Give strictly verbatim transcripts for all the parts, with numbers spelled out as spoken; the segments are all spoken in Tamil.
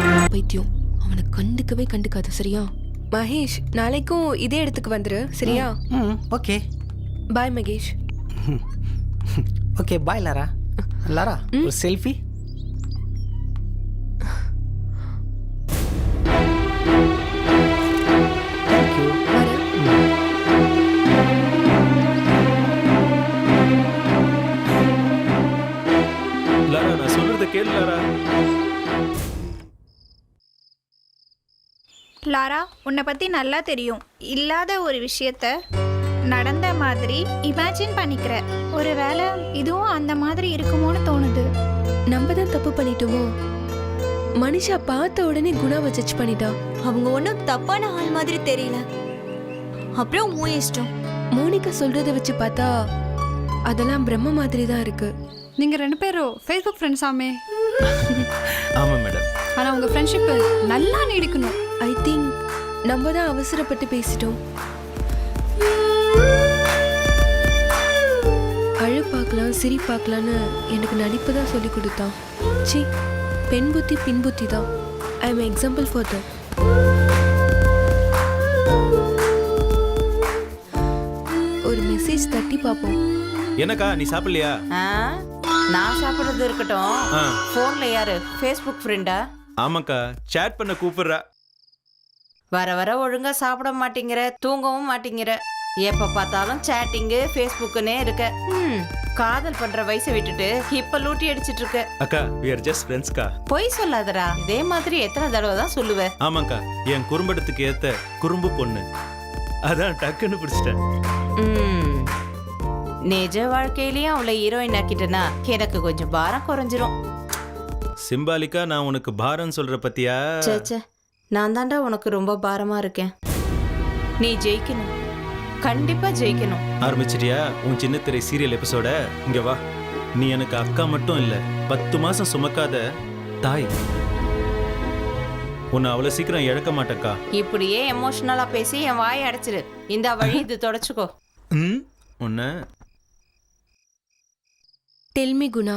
பைத்தியம், அவனை கண்டுக்கவே கண்டுக்காத. சரியா மகேஷ்? நாளைக்கும் இதே இடத்துக்கு வந்துரு. சரியா? ம் okay. Bye Mahesh. Okay bye Lara. Lara ஒரு செல்ஃபி. லாரா நான் சொல்றத கேளு லாரா. லாரா, உன்னை பற்றி நல்லா தெரியும். இல்லாத ஒரு விஷயத்த நடந்த மாதிரி இமேஜின் பண்ணிக்கிற. ஒருவேளை இதுவும் அந்த மாதிரி இருக்குமோன்னு தோணுது. நம்ம தான் தப்பு பண்ணிட்டோமோ? மனிஷா பார்த்த உடனே குணாவை ஜட்ஜ் பண்ணிட்டா. அவங்க ஒன்றும் தப்பான ஆள் மாதிரி தெரியல. அப்புறம் உன் இஷ்டம். மோனிகா சொல்றத வச்சு பார்த்தா அதெல்லாம் பிரம்ம மாதிரி தான் இருக்கு. நீங்க ரெண்டு பேரும் ஃபேஸ்புக் ஃப்ரெண்ட்ஸ் ஆமே. ஆமா மேடம். ஆனா உங்க ஃப்ரெண்ட்ஷிப் நல்லா நீடிக்கணும். ஐ திங்க் நம்ம தான் அவசரப்பட்டு பேசிட்டோம். அழு பார்க்கலாம் சிரி பார்க்கலான்னு எனக்கு நடிப்பு தான் சொல்லி கொடுத்தான். சி, பெண் புத்தி பின் புத்தி தான். I am example for that. ஒரு மெசேஜ் தட்டி பார்ப்போம். என்னக்கா நீ சாப்பிடலையா? நான் சாப்பிடுறது இருக்கட்டும். போன்ல யாரு? ஃபேஸ்புக் ஃப்ரெண்டா? ஆமாக்கா, சேட் பண்ண கூப்பிடுறா. வர வர ஒழுங்கா சாப்பிட மாட்டேங்கிற, தூங்கவும் மாட்டேங்கிற. எப்ப பார்த்தாலும் சேட்டிங்கு ஃபேஸ்புக்குன்னே இருக்க. ம், காதல் பண்ற வயசை விட்டுட்டு இப்ப லூட்டி அடிச்சிட்டு இருக்க. அக்கா we are just friends கா. பொய் சொல்லாதடா. இதே மாதிரி எத்தனை தடவை தான் சொல்லுவ? ஆமாக்கா, என் குறும்படத்துக்கு ஏத்த குறும்பு பொண்ணு, அதான் டக்குன்னு பிடிச்சிட்டேன். ம், நிஜ வாழ்க்கையிலயும் அவளை ஹீரோயின் ஆக்கிட்டனா எனக்கு கொஞ்சம் பாரம் குறைஞ்சிரும். சிம்பாலிக்கா நான் உனக்கு பாரம் சொல்ற பத்தியா? சேச்சே, நான் தாண்டா உனக்கு ரொம்ப பாரமா இருக்கேன். நீ ஜெயிக்கணும், கண்டிப்பா ஜெயிக்கணும். ஆரம்பிச்சிட்டியா உன் சின்ன திரை சீரியல் எபிசோட? இங்க வா. நீ எனக்கு அக்கா மட்டும் இல்ல, பத்து மாசம் சுமக்காத தாய். உன்னை அவ்வளவு சீக்கிரம் இழக்க மாட்டேக்கா. இப்படியே எமோஷனலா பேசி என் வாயை அடைச்சிரு. இந்த வழி இது தொடச்சுக்கோ. ம், உன்ன tell me Guna.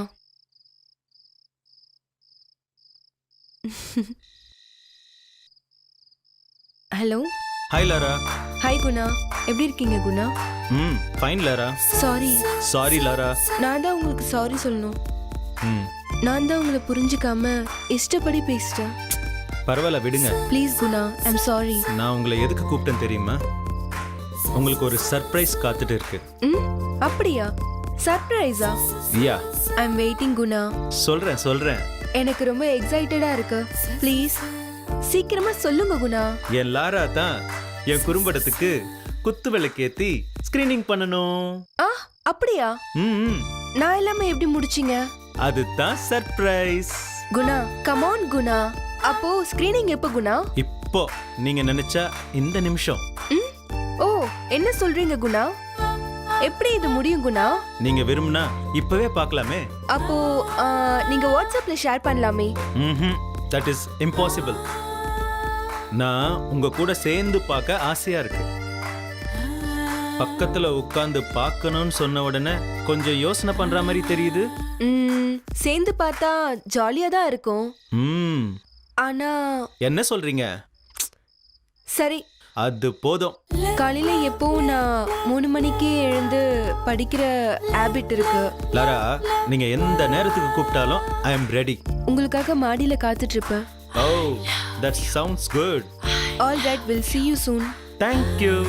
Hello. Hi Lara. Hi Guna, எப்படி இருக்கீங்க குணா? ம், fine Lara. Sorry. Sorry Lara. நான் தான் உங்களுக்கு சாரி சொல்லணும். ம், நான் தான் உங்களை புரிஞ்சுக்காம இஷ்டப்படி பேசிட்டேன். பரவாயில்ல விடுங்க. Please Guna, I'm sorry. நான் உங்களை எதுக்கு கூப்பிட்டேன் தெரியுமா? உங்களுக்கு ஒரு சர்ப்ரைஸ் காத்துட்டு இருக்கு. ம், அப்படியா? சர்ப்ரைஸா? Yeah, I'm waiting Guna. சொல்றேன் சொல்றேன். எனக்கு ரொம்ப எக்ஸைட்டடா இருக்கு. ப்ளீஸ் சீக்கிரமா சொல்லுங்க குணா. என் லாரா தான் என் குறும்படத்துக்கு குத்து விளக்கேத்தி ஸ்கிரீனிங் பண்ணணும். ஆ, அப்படியா? ம், நான் எல்லாமே எப்படி முடிச்சீங்க? அதுதான் surprise. Guna, come on Guna. அப்போ ஸ்கிரீனிங் எப்போ குணா? இப்போ நீங்க நினைச்சா இந்த நிமிஷம். ம், ஓ, என்ன சொல்றீங்க குணா? எப்படி இது முடியும் குணா? நீங்க விரும்பினா இப்பவே பார்க்கலாமே. அப்போ ஆ, நீங்க வாட்ஸ்அப்ல ஷேர் பண்ணலாமே. ம்ஹும், தட் இஸ் இம்பாசிபிள். நான் உங்க கூட சேர்ந்து பார்க்க ஆசையா இருக்கு. பக்கத்துல உட்கார்ந்து பார்க்கணும்னு சொன்ன உடனே கொஞ்சம் யோசனை பண்ற மாதிரி தெரியுது. ம், சேர்ந்து பார்த்தா ஜாலியா தான் இருக்கும். ம், ஆனா என்ன சொல்றீங்க? சரி, அது போதும். காலையில எப்பவும் நான் மூணு மணிக்கே எழுந்து படிக்கிற ஹேபிட் இருக்கு. லாரா, நீங்க எந்த நேரத்துக்கு கூப்பிட்டாலும் ஐ அம் ரெடி. உங்களுக்காக மாடியில காத்துட்டு இருப்பேன். Oh, that sounds good. All right, will see you soon. Thank you.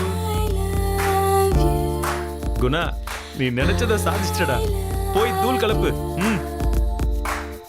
Guna, நீ நினைச்சத சாதிச்சிட்டடா. போய் தூள் கலப்பு. ம்.